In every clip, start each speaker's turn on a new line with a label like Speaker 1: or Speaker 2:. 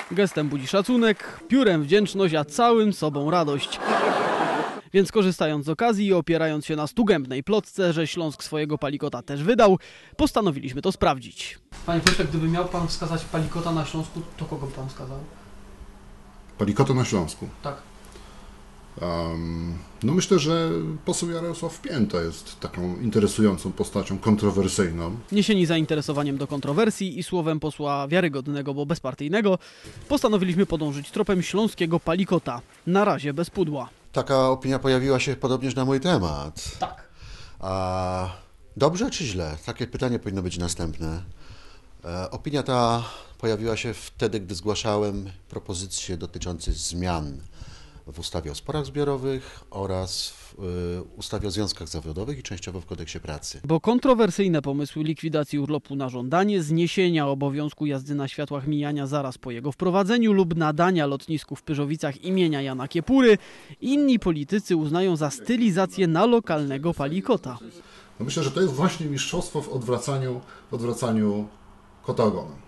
Speaker 1: Gestem budzi szacunek, piórem wdzięczność, a całym sobą radość. Więc korzystając z okazji i opierając się na stugębnej plotce, że Śląsk swojego palikota też wydał, postanowiliśmy to sprawdzić. Panie pośle, gdyby miał pan wskazać palikota na Śląsku, to kogo by pan wskazał?
Speaker 2: Palikota na Śląsku?
Speaker 1: Tak.
Speaker 2: No myślę, że poseł Jarosław Pięta jest taką interesującą postacią, kontrowersyjną.
Speaker 1: Niesieni zainteresowaniem do kontrowersji i słowem posła wiarygodnego, bo bezpartyjnego, postanowiliśmy podążyć tropem śląskiego palikota. Na razie bez pudła.
Speaker 3: Taka opinia pojawiła się podobnież na mój temat.
Speaker 1: Tak.
Speaker 3: A dobrze czy źle? Takie pytanie powinno być następne. Opinia ta pojawiła się wtedy, gdy zgłaszałem propozycje dotyczące zmian w ustawie o sporach zbiorowych oraz w ustawie o związkach zawodowych i częściowo w kodeksie pracy.
Speaker 1: Bo kontrowersyjne pomysły likwidacji urlopu na żądanie, zniesienia obowiązku jazdy na światłach mijania zaraz po jego wprowadzeniu lub nadania lotnisku w Pyrzowicach imienia Jana Kiepury, inni politycy uznają za stylizację na lokalnego palikota.
Speaker 2: No myślę, że to jest właśnie mistrzostwo w odwracaniu kota ogonem.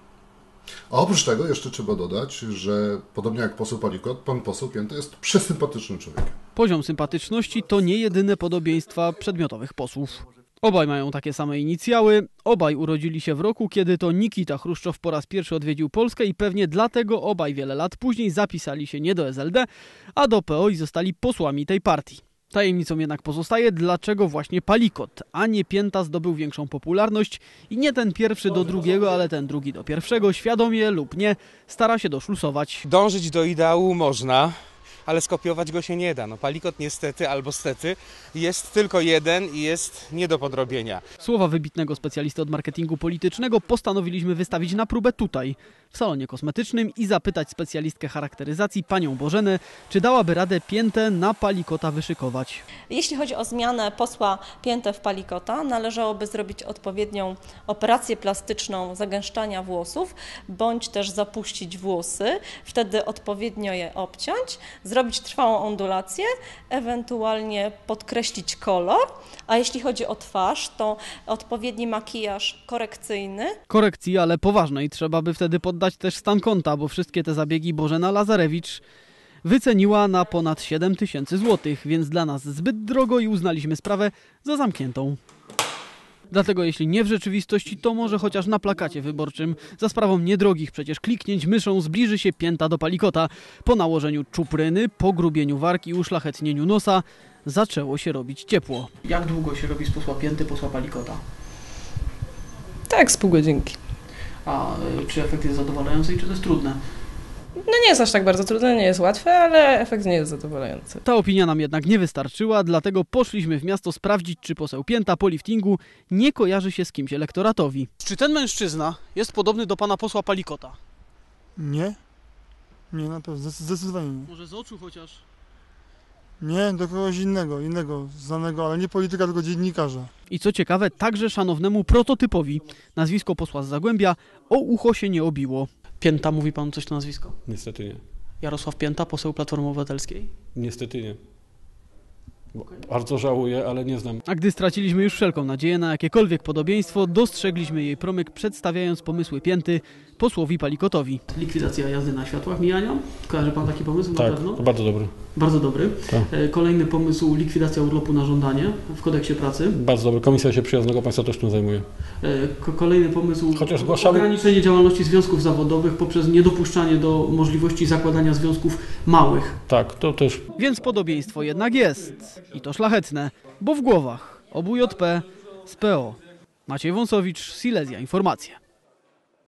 Speaker 2: A oprócz tego jeszcze trzeba dodać, że podobnie jak poseł Palikot, pan poseł Pięta jest przesympatycznym człowiekiem.
Speaker 1: Poziom sympatyczności to nie jedyne podobieństwa przedmiotowych posłów. Obaj mają takie same inicjały, obaj urodzili się w roku, kiedy to Nikita Chruszczow po raz pierwszy odwiedził Polskę i pewnie dlatego obaj wiele lat później zapisali się nie do SLD, a do PO i zostali posłami tej partii. Tajemnicą jednak pozostaje, dlaczego właśnie Palikot, a nie Pięta zdobył większą popularność i nie ten pierwszy do drugiego, ale ten drugi do pierwszego, świadomie lub nie, stara się doszlusować.
Speaker 4: Dążyć do ideału można, ale skopiować go się nie da. No, palikot niestety albo stety jest tylko jeden i jest nie do podrobienia.
Speaker 1: Słowa wybitnego specjalisty od marketingu politycznego postanowiliśmy wystawić na próbę tutaj, w salonie kosmetycznym i zapytać specjalistkę charakteryzacji, panią Bożenę, czy dałaby radę Piętę na palikota wyszykować.
Speaker 5: Jeśli chodzi o zmianę posła Piętę w palikota, należałoby zrobić odpowiednią operację plastyczną zagęszczania włosów, bądź też zapuścić włosy, wtedy odpowiednio je obciąć, zrobić trwałą ondulację, ewentualnie podkreślić kolor, a jeśli chodzi o twarz, to odpowiedni makijaż korekcyjny.
Speaker 1: Korekcji, ale poważnej, trzeba by wtedy poddać też stan konta, bo wszystkie te zabiegi Bożena Lazarewicz wyceniła na ponad 7 000 złotych, więc dla nas zbyt drogo i uznaliśmy sprawę za zamkniętą. Dlatego jeśli nie w rzeczywistości, to może chociaż na plakacie wyborczym. Za sprawą niedrogich przecież kliknięć myszą zbliży się Pięta do palikota. Po nałożeniu czupryny, pogrubieniu wargi i uszlachetnieniu nosa zaczęło się robić ciepło. Jak długo się robi z posła Pięty posła palikota?
Speaker 6: Tak, z pół godzinki.
Speaker 1: A czy efekt jest zadowalający i czy to jest trudne?
Speaker 6: No nie jest aż tak bardzo trudne, nie jest łatwe, ale efekt nie jest zadowalający.
Speaker 1: Ta opinia nam jednak nie wystarczyła, dlatego poszliśmy w miasto sprawdzić, czy poseł Pięta po liftingu nie kojarzy się z kimś elektoratowi. Czy ten mężczyzna jest podobny do pana posła Palikota?
Speaker 7: Nie. Nie, na pewno, zdecydowanie nie.
Speaker 1: Może z oczu chociaż?
Speaker 7: Nie, do kogoś innego, znanego, ale nie polityka, tylko dziennikarza.
Speaker 1: I co ciekawe, także szanownemu prototypowi. Nazwisko posła z Zagłębia o ucho się nie obiło. Pięta, mówi pan coś na nazwisko?
Speaker 8: Niestety nie.
Speaker 1: Jarosław Pięta, poseł Platformy Obywatelskiej?
Speaker 8: Niestety nie. Bardzo żałuję, ale nie znam.
Speaker 1: A gdy straciliśmy już wszelką nadzieję na jakiekolwiek podobieństwo, dostrzegliśmy jej promyk, przedstawiając pomysły Pięty posłowi Palikotowi. Likwidacja jazdy na światłach mijania? Kojarzy pan taki pomysł?
Speaker 8: Tak,
Speaker 1: na pewno?
Speaker 8: to bardzo dobry.
Speaker 1: Bardzo dobry.
Speaker 8: Tak.
Speaker 1: Kolejny pomysł, likwidacja urlopu na żądanie w kodeksie pracy.
Speaker 8: Bardzo dobry. Komisja się przyjaznego państwa też tym zajmuje.
Speaker 1: Kolejny pomysł,
Speaker 8: chociaż zgłaszamy...
Speaker 1: ograniczenie działalności związków zawodowych poprzez niedopuszczanie do możliwości zakładania związków małych.
Speaker 8: Tak, to też.
Speaker 1: Więc podobieństwo jednak jest. I to szlachetne, bo w głowach obu JP z PO. Maciej Wąsowicz, Silesia Informacje.